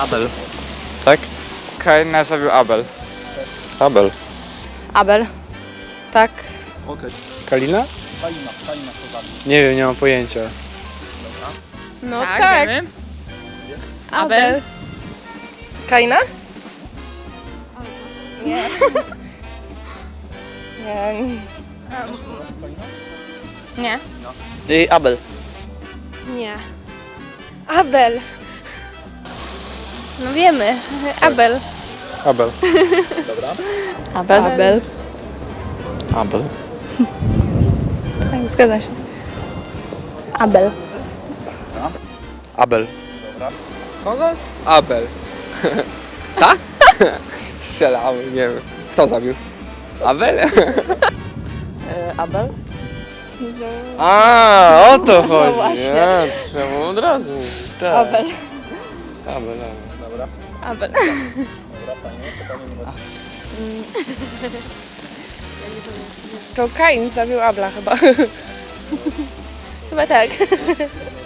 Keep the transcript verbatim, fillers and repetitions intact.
Abel. Tak? Kaina zabił Abel. Abel. Abel. Tak. Okej. Kalina? Kalina, Kalina to zabił. Nie wiem, nie mam pojęcia. No Tak, tak. wiemy. Abel. Kaina? Nie. Nie. Nie. I Abel. Nie. Abel. No wiemy. Abel. Abel. Abel. Abel. Abel. Tak, zgadza się. Abel. Abel. Kogo? Abel. Tak? Strzelałem, nie wiem. Kto zabił? Abel? Abel? A, o to chodzi. właśnie. Ja, to trzeba było od razu. Tak. Abel. Abel, Abel. Dobra. Abel. Dobra, fajnie. Pytanie numer To Kain zabił Abla chyba. Chyba tak.